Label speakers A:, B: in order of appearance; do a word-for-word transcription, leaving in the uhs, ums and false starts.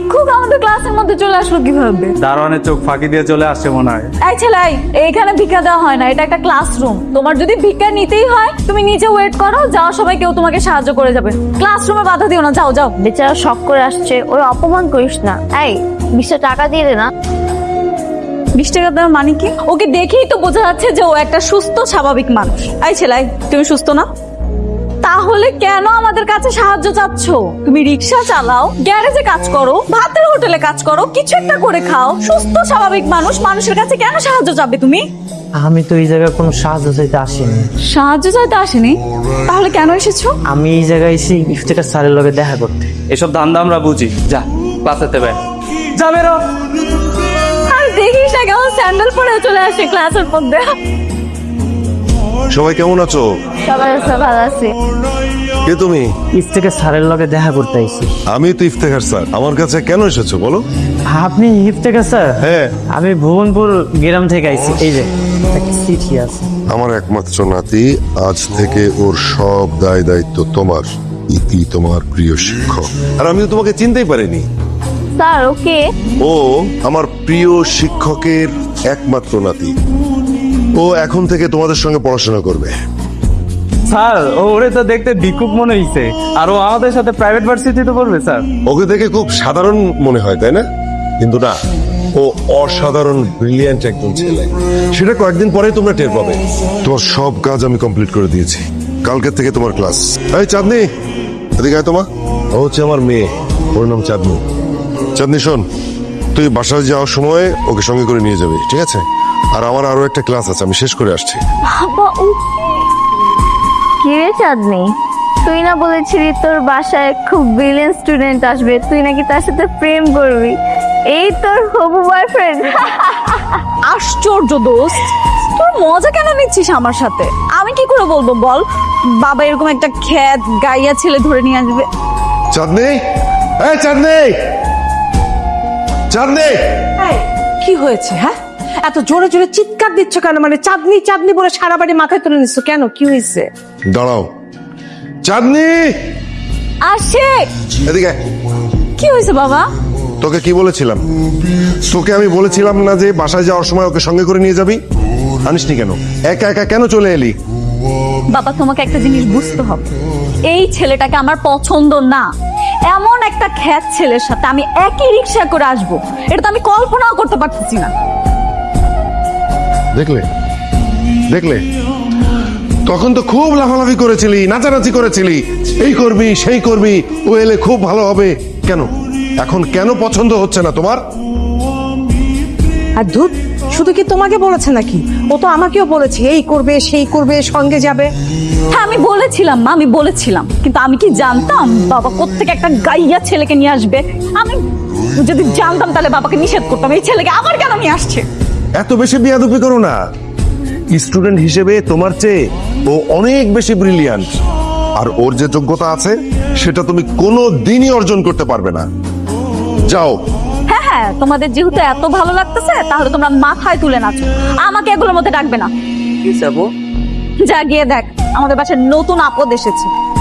A: ভিক্ষুক আমাদের ক্লাসের মধ্যে চলে আসলো কিভাবে?
B: দারোয়ানের চোখ ফাঁকি দিয়ে চলে আসছে মনে হয়।
A: এই ছেলে, এই, এইখানে ভিক্ষা দেওয়া হয় না, এটা একটা ক্লাসরুম। তোমার যদি ভিক্ষা নিতেই হয় তুমি নিচে ওয়েট করো, যাওয়ার সময় কেউ তোমাকে সাহায্য করে যাবে। ক্লাসরুমে বাধা দিও না, যাও যাও।
C: বেচারা শখ করে আসছে, ওর অপমান করিস না। এই বিশটা টাকা দিয়ে দে না।
A: বিশ টাকা দেওয়ার মানে কি? ওকে দেখেই তো বোঝা যাচ্ছে যে ও একটা সুস্থ স্বাভাবিক মানুষ। এই ছেলে, তুমি সুস্থ না? তাহলে কেন আমাদের কাছে সাহায্য চাচ্ছ? তুমি রিক্সা চালাও, গ্যারেজে কাজ করো, ভাতের হোটেলে কাজ করো, কিছু একটা করে খাও। সুস্থ স্বাভাবিক মানুষ, মানুষের কাছে কেন সাহায্য চাবে তুমি?
D: আমি তো এই জায়গায় কোনো সাহায্য চাইতে আসিনি।
A: সাহায্য চাইতে আসেনি? তাহলে কেন এসেছো?
D: আমি এই জায়গায় এসে ইফতেখার স্যারের লগে দেখা করতে।
B: এসব ধান্দা আমরা বুঝি। যা ক্লাসেতে বের যা বেরো।
A: আর দেখিস না কেমন স্যান্ডেল পরে চলে আসে ক্লাসের মধ্যে।
E: সবাই কেমন আছো?
C: সবাই আছে, ভালো আছে।
E: কে তুমি?
D: ইফতেখার স্যারের লগে দেখা করতে আইছি।
E: আমি তো ইফতেখার স্যার। আমার কাছে কেন এসেছো বলো?
D: আপনি ইফতেখার স্যার?
E: হ্যাঁ।
D: আমি ভুবনপুর গ্রাম থেকে আইছি। এই যে একটা চিঠি আছে।
E: আমার একমাত্র নাতি, আজ থেকে ওর সব দায় দায়িত্ব তোমার। ইতি তোমার প্রিয় শিক্ষক। আর আমি তো তোমাকে চিনতেই পারিনি।
C: Sir okay.
E: ও আমার প্রিয় শিক্ষকের একমাত্র নাতি। ও এখন থেকে তোমাদের সঙ্গে পড়াশোনা করবে।
B: স্যার ওরে তো দেখতে ভিক্ষুক মনে হইছে, আর ও আমাদের সাথে প্রাইভেট ভার্সিটিতে পড়বে স্যার।
E: ওকে দেখে খুব সাধারণ মনে হয়, তাই না? কিন্তু না, ও অসাধারণ ব্রিলিয়ান্ট একজন ছেলে। সেটা কয়েকদিন পরে তোমরা টের পাবে। তোমার সব কাজ আমি কমপ্লিট করে দিয়েছি। কালকে থেকে তোমার ক্লাস। এই চাঁদনি, এদিকে আয়। তোমার ও হচ্ছে আমার মেয়ে, ওর নাম চাঁদনি। চাঁদনি শোন, তুই বাসায় যাওয়ার সময় ওকে সঙ্গে করে নিয়ে যাবি, ঠিক আছে? আর আমার আরো একটা ক্লাস আছে, আমি শেষ করে আসছি।
C: বাবা ও কি রে চাঁদনি, তুই না বলেছিলি তোর বাসায় খুব ব্রিলিয়েন্ট স্টুডেন্ট আসবে, তুই নাকি তার সাথে প্রেম করবি? এই তোর হবু বয়ফ্রেন্ড?
A: আশ্চর্য দোস্ত, তোর মজা কেন নিচ্ছিস আমার সাথে? আমি কি করে বলবো বল? বাবা এরকম একটা খ্যাত গাইয়া ছেলে ধরে নিয়ে আসবে।
E: চাঁদনি, এই চাঁদনি, চাঁদনি।
F: কি হয়েছে? হ্যাঁ, এত জোরে জোরে চিৎকার দিচ্ছ কেন? মানে চাঁদনি চাঁদনি বলে সারা বাড়ি মাথায় তুলে নিচ্ছ কেন? কি হয়েছে?
E: দাঁড়াও চাঁদনি,
A: আসে।
E: এদিকে আয়।
A: কি হয়েছে বাবা?
E: তোকে কি বলেছিলাম? তোকে আমি বলেছিলাম না যে বাসায় যাওয়ার সময় ওকে সঙ্গে করে নিয়ে যাবি? আনিসনি কেন? একা একা কেন চলে এলি?
A: বাবা তোমাকে একটা জিনিস বুঝতে হবে, এই ছেলেটাকে আমার পছন্দ না। এমন একটা খ্যাত ছেলের সাথে আমি একই রিক্সা করে আসবো, এটা তো আমি কল্পনাও করতে পারতেছি না।
E: দেখলে দেখলে তখন তো খুব লাফালাফি করেছিলি, নাচানাচি করেছিলি, এই করবি সেই করবি, ও এলে খুব ভালো হবে। কেন এখন কেন পছন্দ হচ্ছে না তোমার?
F: আর ধুত, শুধু কি তোমাকে বলেছে নাকি? ও তো আমাকেও বলেছে এই করবে সেই করবে, সঙ্গে যাবে।
A: হ্যাঁ আমি বলেছিলাম মা, আমি বলেছিলাম, কিন্তু আমি কি জানতাম বাবা কোত্থেকে একটা গাইয়া ছেলেকে নিয়ে আসবে? আমি যদি জানতাম তাহলে বাবাকে নিষেধ করতাম। এই ছেলেকে আবার কেন নিয়ে আসছে?
E: এত বেশি বিয়াদুপি করো না। স্টুডেন্ট হিসেবে তোমার চেয়ে ও অনেক বেশি ব্রিলিয়ান্ট, আর ওর যে যোগ্যতা আছে সেটা তুমি কোনো দিনই অর্জন করতে পারবে না। যাও।
A: হ্যাঁ হ্যাঁ, তোমাদের যেহেতু এত ভালো লাগতেছে তাহলে তোমরা মাথায় তুলে নাচো, আমাকে এগুলোর মধ্যে ডাকবে না।
D: কি যাবো?
A: যা গিয়ে দেখ আমাদের বাসায় নতুন আপদ এসেছে।